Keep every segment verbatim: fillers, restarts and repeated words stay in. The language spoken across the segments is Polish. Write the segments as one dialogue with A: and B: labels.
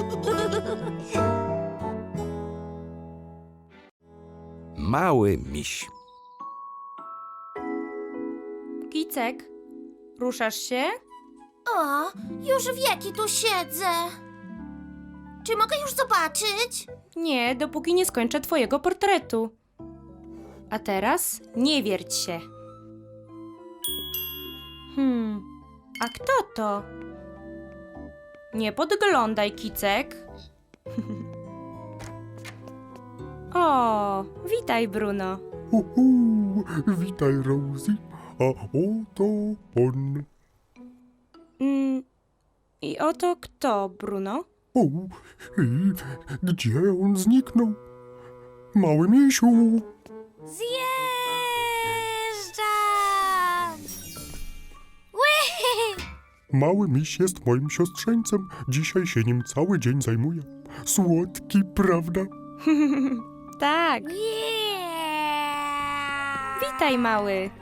A: Mały miś.
B: Kicek, ruszasz się?
C: O, już wieki tu siedzę. Czy mogę już zobaczyć?
B: Nie, dopóki nie skończę twojego portretu. A teraz nie wierć się. Hmm, a kto to? Nie podglądaj, Kicek. O, witaj, Bruno.
D: Uhu, witaj, Rosie. A oto on.
B: Mm, I oto kto, Bruno?
D: O, i gdzie on zniknął? Mały misiu.
C: Zjeżdżam! Ły!
D: Mały miś jest moim siostrzeńcem. Dzisiaj się nim cały dzień zajmuję. Słodki, prawda?
B: Tak,
C: Yeah!
B: witaj, mały.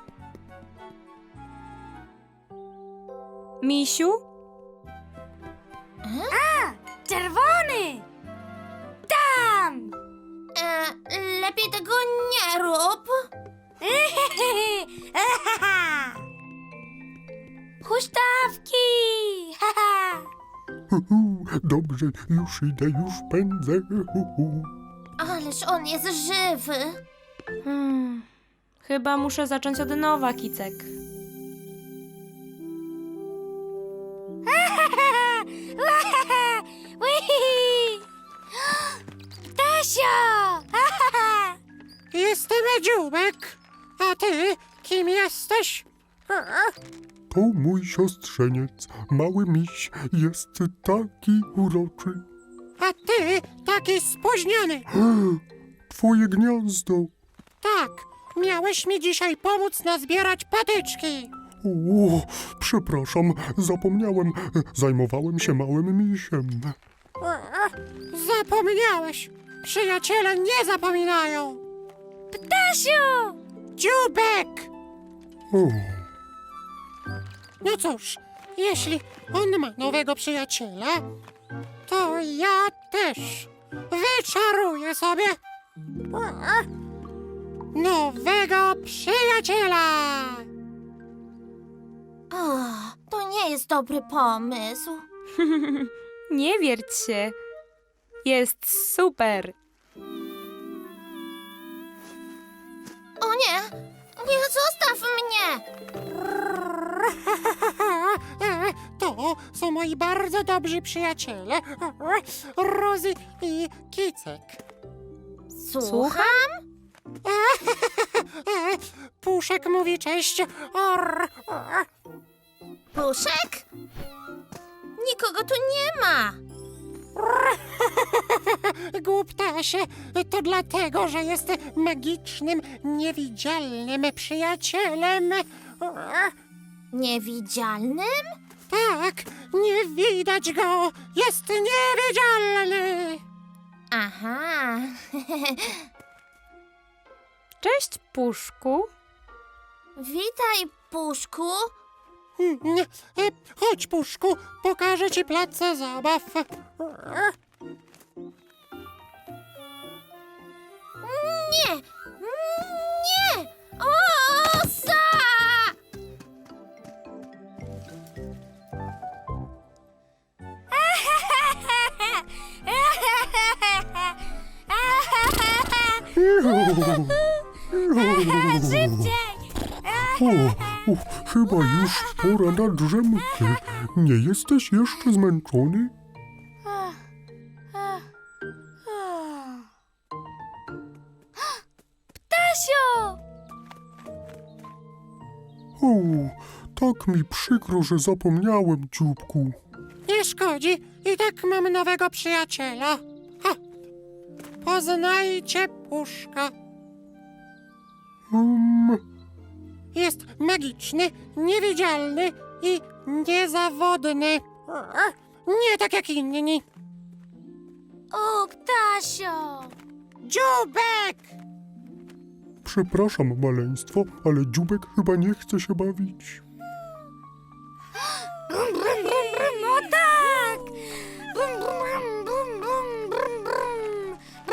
B: Misiu?
C: Czerwony! Tam! E, lepiej tego nie rób. Huśtawki!
D: Uhu, dobrze, już idę, już pędzę. Uhu.
C: Ależ on jest żywy.
B: Hmm, chyba muszę zacząć od nowa, Kicek.
C: Tasio!
E: Jestem Dziubek. A ty kim jesteś?
D: To mój siostrzeniec. Mały miś jest taki uroczy.
E: A ty taki spóźniony.
D: Twoje gniazdo.
E: Tak, miałeś mi dzisiaj pomóc nazbierać patyczki.
D: O, przepraszam, zapomniałem. Zajmowałem się małym misiem.
E: Zapomniałeś. Przyjaciele nie zapominają.
C: Tasiu!
E: Dziubek!
D: O,
E: No cóż, jeśli on ma nowego przyjaciela, to ja też wyczaruję sobie nowego przyjaciela.
C: O, to nie jest dobry pomysł.
B: Nie wierć się. Jest super.
C: O nie! Nie, zostaw mnie!
E: To są moi bardzo dobrzy przyjaciele, Rosie i Kicek.
C: Słucham?
E: Puszek mówi cześć. Or, or.
C: Puszek? Nikogo tu nie ma.
E: Głuptasie, to dlatego, że jest magicznym, niewidzialnym przyjacielem.
C: Niewidzialnym?
E: Tak, nie widać go, jest niewidzialny.
C: Aha.
B: Cześć, Puszku.
C: Witaj, Puszku.
E: Mm, e, Chodź, Puszku, pokażę ci plac zabaw.
C: Nie! Nie! Osa! Szybciej!
D: o, o, chyba już pora na drzemkę. Nie jesteś jeszcze zmęczony?
C: Tasiu!
D: O, tak mi przykro, że zapomniałem, dzióbku.
E: Nie szkodzi, i tak mam nowego przyjaciela. Ha. Poznajcie Puszka.
D: Um,
E: Jest magiczny, niewidzialny i niezawodny. Nie tak jak inni.
C: O, Tasio!
E: Dziubek!
D: przepraszam, maleństwo, ale dzióbek chyba nie chce się bawić.
C: No tak! Brum, brum, brum.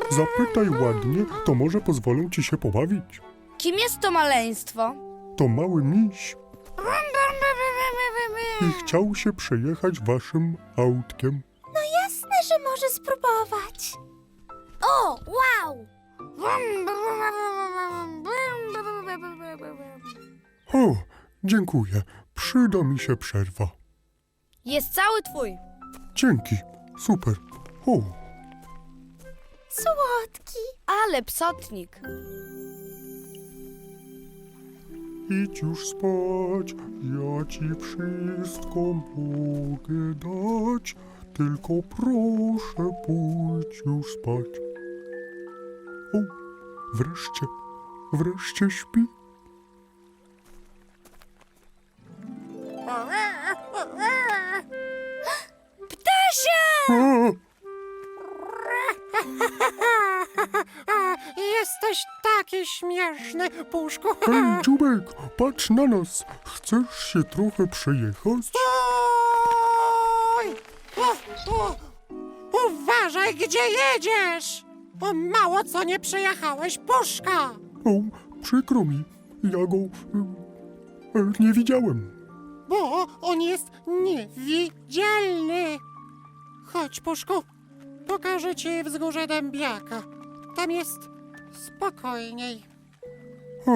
D: Zapytaj ładnie, to może pozwolą ci się pobawić.
A: Kim jest to maleństwo?
D: To mały miś i chciał się przejechać waszym autkiem.
C: Jasne, że może spróbować. O, wow!
D: O, dziękuję. Przyda mi się przerwa.
A: Jest cały twój.
D: Dzięki. Super. O,
C: Słodki.
A: Ale psotnik.
D: idź już spać. Ja ci wszystko mogę dać. Tylko proszę pójdź już spać. O, wreszcie, wreszcie śpi.
A: Ptasia!
D: A,
E: A, jesteś taki śmieszny, Puszku.
D: hej, Dziubek, patrz na nas. Chcesz się trochę przejechać?
E: Oj! O, o, uważaj, gdzie jedziesz! O, mało co nie przejechałeś, Puszka!
D: O, przykro mi. Ja go e, e, nie widziałem.
E: Bo on jest niewidzialny. Chodź, Puszku, pokażę ci wzgórze Dębiaka. Tam jest spokojniej.
D: O,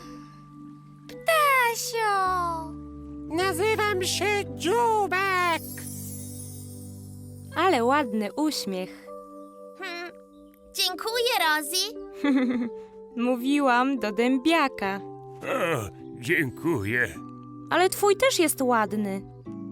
C: Tasio!
E: Nazywam się Dziubek.
B: Ale ładny uśmiech.
C: Hmm. Dziękuję, Rosie.
B: Mówiłam do dębiaka.
F: O, dziękuję.
B: Ale twój też jest ładny.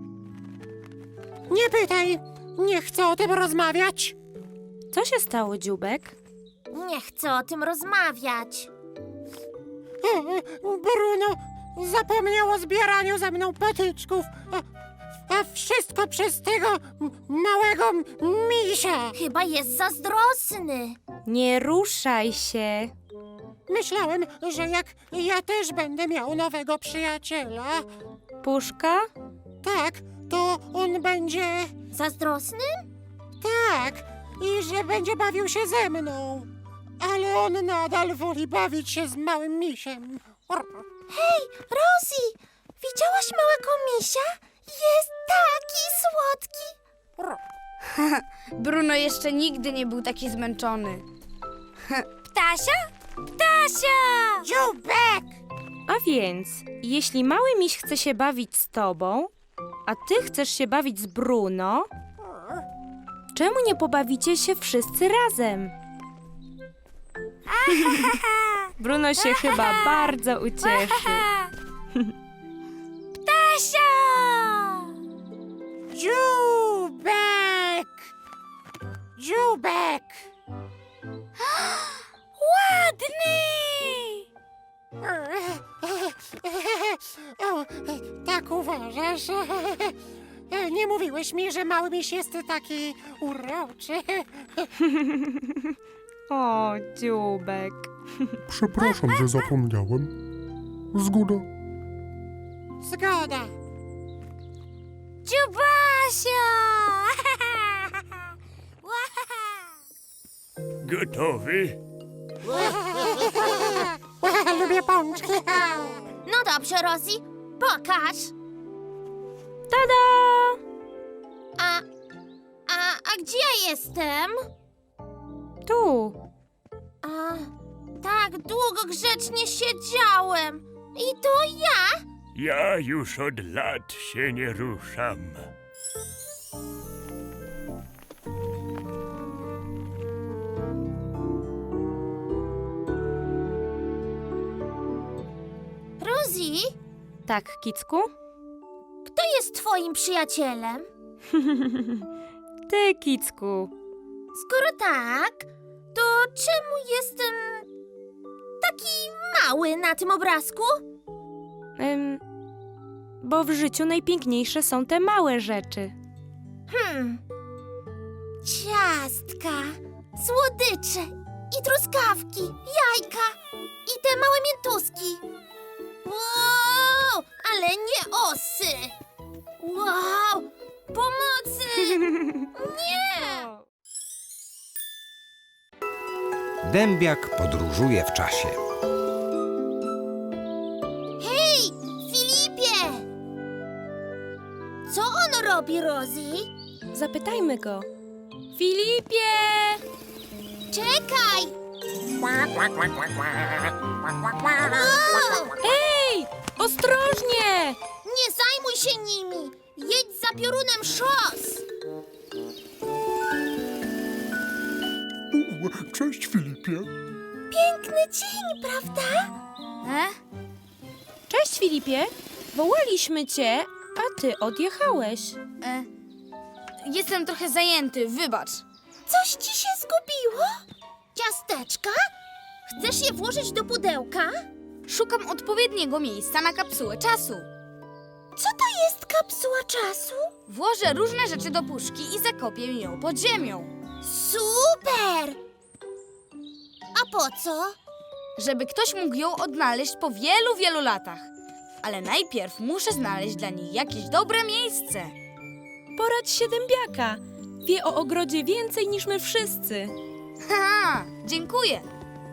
E: Nie pytaj, nie chcę o tym rozmawiać.
B: Co się stało, Dziubek?
C: Nie chcę o tym rozmawiać.
E: O, Bruno zapomniał o zbieraniu ze mną patyczków. A, a wszystko przez tego m- małego m- misia.
C: Chyba jest zazdrosny.
B: Nie ruszaj się.
E: Myślałem, że jak ja też będę miał nowego przyjaciela,
B: Puszka?
E: tak, to on będzie
C: Zazdrosny?
E: tak i że będzie bawił się ze mną. Ale on nadal woli bawić się z małym misiem.
C: Hej, Rosie! Widziałaś małego misia? Jest taki słodki.
A: Bruno jeszcze nigdy nie był taki zmęczony.
C: Ptasia? Ptasia!
E: Dziubek!
B: A więc, jeśli mały miś chce się bawić z tobą, a ty chcesz się bawić z Bruno, czemu nie pobawicie się wszyscy razem? Bruno się chyba bardzo ucieszy.
C: Ptasia!
E: Dziubek! Dziubek!
C: Ładny!
E: O, tak uważasz? Nie mówiłeś mi, że mały miś jest taki uroczy.
B: O, Dziubek.
D: przepraszam, że zapomniałem. Zgoda.
E: Zgoda.
C: Dziubasia!
F: Gotowy?
E: Lubię pączki.
C: No dobrze, Rosie, pokaż.
B: Tada!
C: A, a, a gdzie ja jestem?
B: Tu.
C: A, tak długo grzecznie siedziałem. I to ja?
F: Ja już od lat się nie ruszam.
C: Rosie,
B: Tak, Kicku?
C: kto jest twoim przyjacielem?
B: Ty, Kicku.
C: Skoro tak, to czemu jestem taki mały na tym obrazku?
B: Ym, bo w życiu najpiękniejsze są te małe rzeczy.
C: Hmm. Ciastka, słodycze i truskawki, jajka i te małe miętuski. Wow, ale nie osy. Wow, pomocy! Nie!
G: dębiak podróżuje w czasie.
C: Hej, Filipie! Co on robi, Rosie?
B: Zapytajmy go. Filipie!
C: Czekaj! O!
B: Ej! Ostrożnie!
C: Nie zajmuj się nimi! Jedź za piorunem szos!
D: U, cześć, Filipie.
C: Piękny dzień, prawda?
A: E?
B: Cześć, Filipie. Wołaliśmy cię, a ty odjechałeś.
A: E? Jestem trochę zajęty, wybacz.
C: Coś ci się zgubiło? Ciasteczka? Chcesz je włożyć do pudełka?
A: Szukam odpowiedniego miejsca na kapsułę czasu.
C: Co to jest kapsuła czasu?
A: Włożę różne rzeczy do puszki i zakopię ją pod ziemią.
C: Super! A po co?
A: Żeby ktoś mógł ją odnaleźć po wielu, wielu latach. Ale najpierw muszę znaleźć dla niej jakieś dobre miejsce.
B: Poradź się dębiaka. Wie o ogrodzie więcej niż my wszyscy.
A: Haha, dziękuję.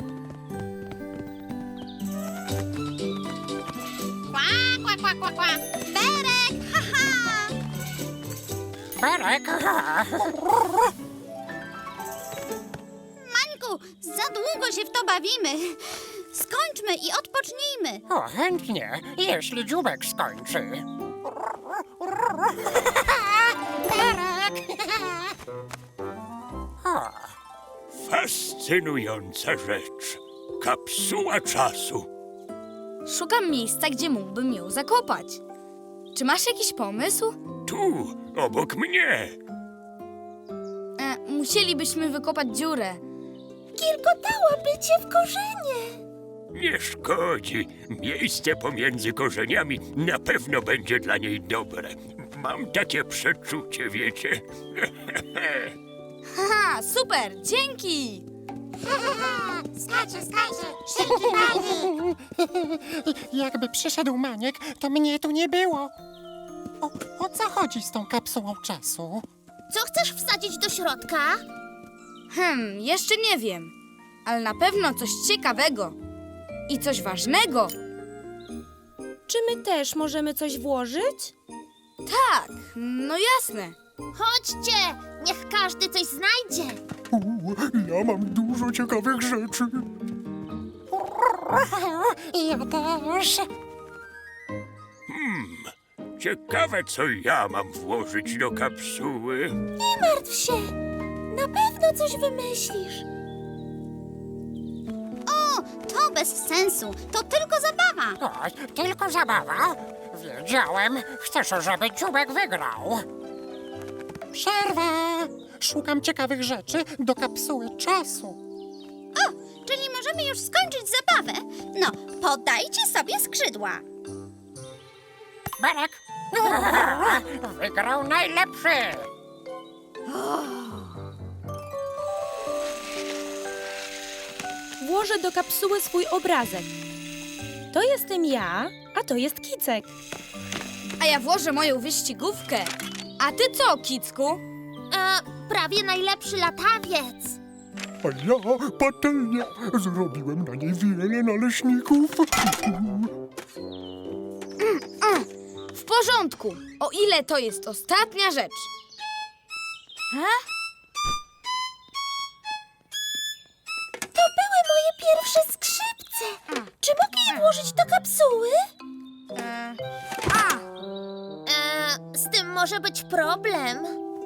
C: Kwa, kwa, kwa, kwa, kwa. Berek, haha!
E: Berek.
C: Mańku, za długo się w to bawimy. Skończmy i odpocznijmy.
E: O, chętnie, jeśli dziubek skończy. Berek.
F: Ha, fascynująca rzecz. Kapsuła czasu.
A: Szukam miejsca, gdzie mógłbym ją zakopać. Czy masz jakiś pomysł?
F: Tu, obok mnie.
A: E, musielibyśmy wykopać dziurę.
C: Kilkotałaby cię w korzenie.
F: Nie szkodzi. Miejsce pomiędzy korzeniami na pewno będzie dla niej dobre. Mam takie przeczucie, wiecie.
A: Haha, super, dzięki!
C: Skacze, skacze, szybki panie.
E: Jakby przyszedł Maniek, to mnie tu nie było. O, o co chodzi z tą kapsułą czasu?
C: Co chcesz wsadzić do środka?
A: Hmm, jeszcze nie wiem, ale na pewno coś ciekawego i coś ważnego.
B: Czy my też możemy coś włożyć?
A: Tak, no jasne.
C: Chodźcie, niech każdy coś znajdzie.
D: U, ja mam dużo ciekawych rzeczy.
E: Ja też.
F: Hmm, ciekawe, co ja mam włożyć do kapsuły.
C: Nie martw się, na pewno coś wymyślisz. O, to bez sensu, to tylko zabawa.
E: O, tylko zabawa. Wiedziałem, chcesz, żeby dziubek wygrał. Przerwa. Szukam ciekawych rzeczy do kapsuły czasu.
C: O, czyli możemy już skończyć zabawę. No, podajcie sobie skrzydła.
E: Berek. Wygrał najlepszy.
B: Włożę do kapsuły swój obrazek. To jestem ja, a to jest Kicek.
A: A ja włożę moją wyścigówkę. A ty co, Kicku?
C: E, prawie najlepszy latawiec.
D: A ja patelnię. Zrobiłem na niej wiele naleśników.
A: W porządku, o ile to jest ostatnia rzecz. Ha?
C: To były moje pierwsze skrzypce. Czy mogę je włożyć do kapsuły?
A: E, a,
C: E, z tym może być problem.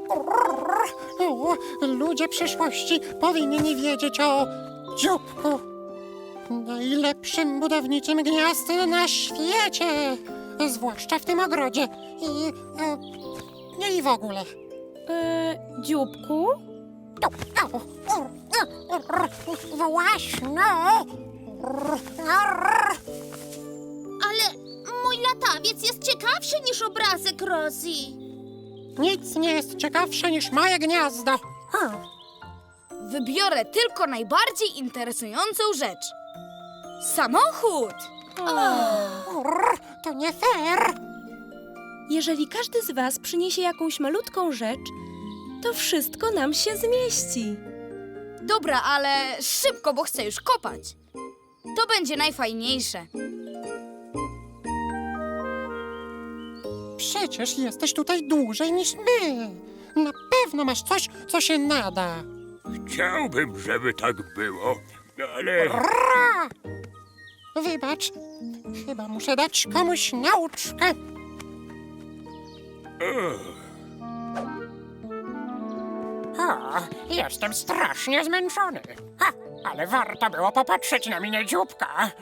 E: O, ludzie przyszłości powinni wiedzieć o dzióbku. Najlepszym budowniczym gniazd na świecie. Zwłaszcza w tym ogrodzie. I, e, nie i w ogóle.
B: E, dzióbku?
E: Właśnie.
C: Ale mój latawiec jest ciekawszy niż obrazek Rosie.
E: Nic nie jest ciekawsze niż moje gniazdo. Hmm.
A: wybiorę tylko najbardziej interesującą rzecz. Samochód!
E: To nie fair.
B: Jeżeli każdy z was przyniesie jakąś malutką rzecz, to wszystko nam się zmieści.
A: Dobra, ale szybko, bo chcę już kopać. To będzie najfajniejsze.
E: Przecież jesteś tutaj dłużej niż my. Na pewno masz coś, co się nada.
F: Chciałbym, żeby tak było, ale...
E: Ra! Wybacz, chyba muszę dać komuś nauczkę.
F: O,
E: O, jestem strasznie zmęczony. Ha, ale warto było popatrzeć na minę dzióbka.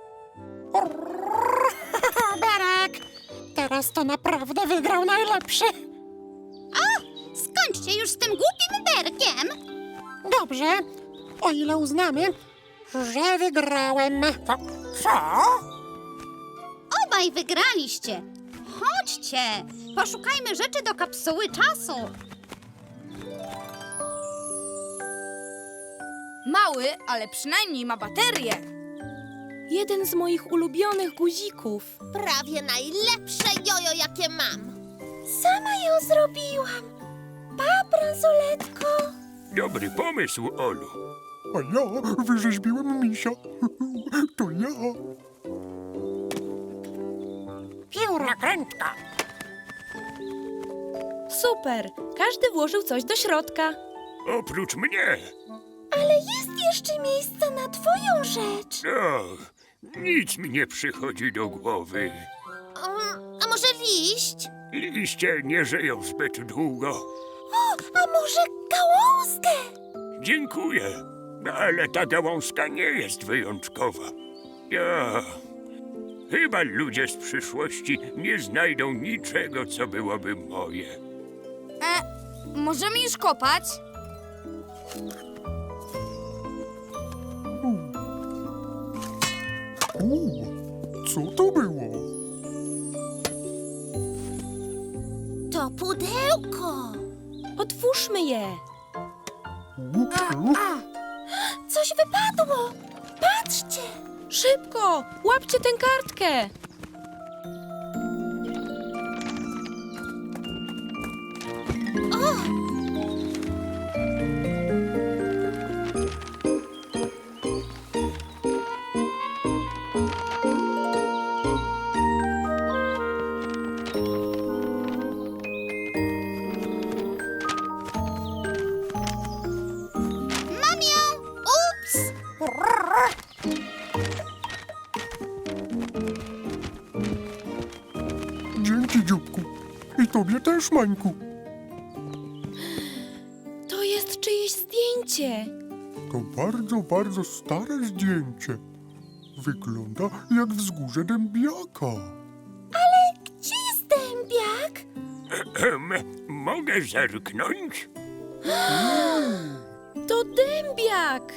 E: Berek! Teraz to naprawdę wygrał najlepszy.
C: Skończcie już z tym głupim berkiem.
E: Dobrze, o ile uznamy, że wygrałem. Co? Co?
C: Obaj wygraliście. Chodźcie, poszukajmy rzeczy do kapsuły czasu.
A: Mały, ale przynajmniej ma baterię.
B: Jeden z moich ulubionych guzików.
C: Prawie najlepsze jojo, jakie mam. Sama ją zrobiłam. Pa, bransoletko.
F: dobry pomysł, Olu.
D: A ja wyrzeźbiłem misia. To ja.
E: Pióra krętka.
B: Super! Każdy włożył coś do środka.
F: Oprócz mnie.
C: Ale jest jeszcze miejsce na twoją rzecz.
F: O, nic mi nie przychodzi do głowy.
C: Um, a może liść?
F: Liście nie żyją zbyt długo.
C: O, a może gałązkę?
F: Dziękuję, ale ta gałązka nie jest wyjątkowa. Ja... Chyba ludzie z przyszłości nie znajdą niczego, co byłoby moje.
A: E, możemy już kopać?
D: U, co to było?
C: To pudełko.
B: Otwórzmy je.
D: U, u,
C: Coś wypadło. Patrzcie.
B: Szybko! Łapcie tę kartkę!
C: Mam ją. Ups.
D: Dzięki, dzióbku. I tobie też, Mańku.
B: To jest czyjeś zdjęcie.
D: To bardzo, bardzo stare zdjęcie. Wygląda jak wzgórze dębiaka.
C: Gdzie jest dębiak?
F: Ehem, mogę zerknąć?
B: To dębiak!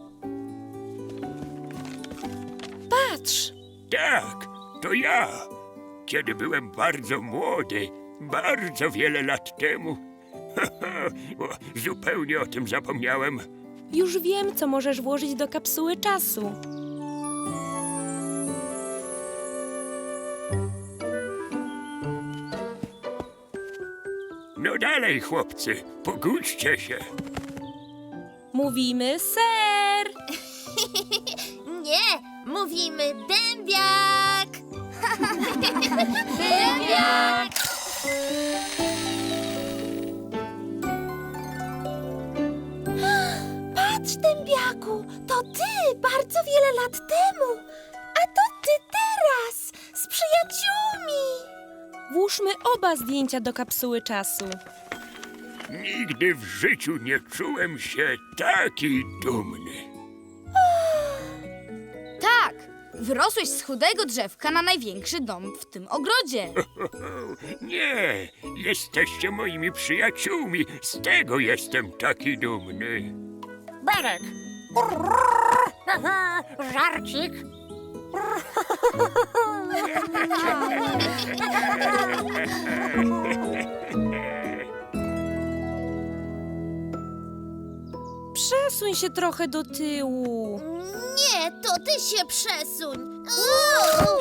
B: Patrz!
F: Tak, to ja. Kiedy byłem bardzo młody, bardzo wiele lat temu. O, zupełnie o tym zapomniałem.
B: Już wiem, co możesz włożyć do kapsuły czasu.
F: No dalej, chłopcy, pogódźcie się.
B: Mówimy ser!
C: Nie, mówimy dębiak. Dębiak. Patrz, dębiaku, to ty bardzo wiele lat temu. A to ty teraz z przyjaciółmi.
B: Włóżmy oba zdjęcia do kapsuły czasu.
F: Nigdy w życiu nie czułem się taki dumny.
A: Tak, wyrosłeś z chudego drzewka na największy dom w tym ogrodzie.
F: Nie, jesteście moimi przyjaciółmi. Z tego jestem taki dumny.
E: Berek. Żarcik.
B: Przesuń się trochę do tyłu.
C: Nie, to ty się przesuń. Uuu.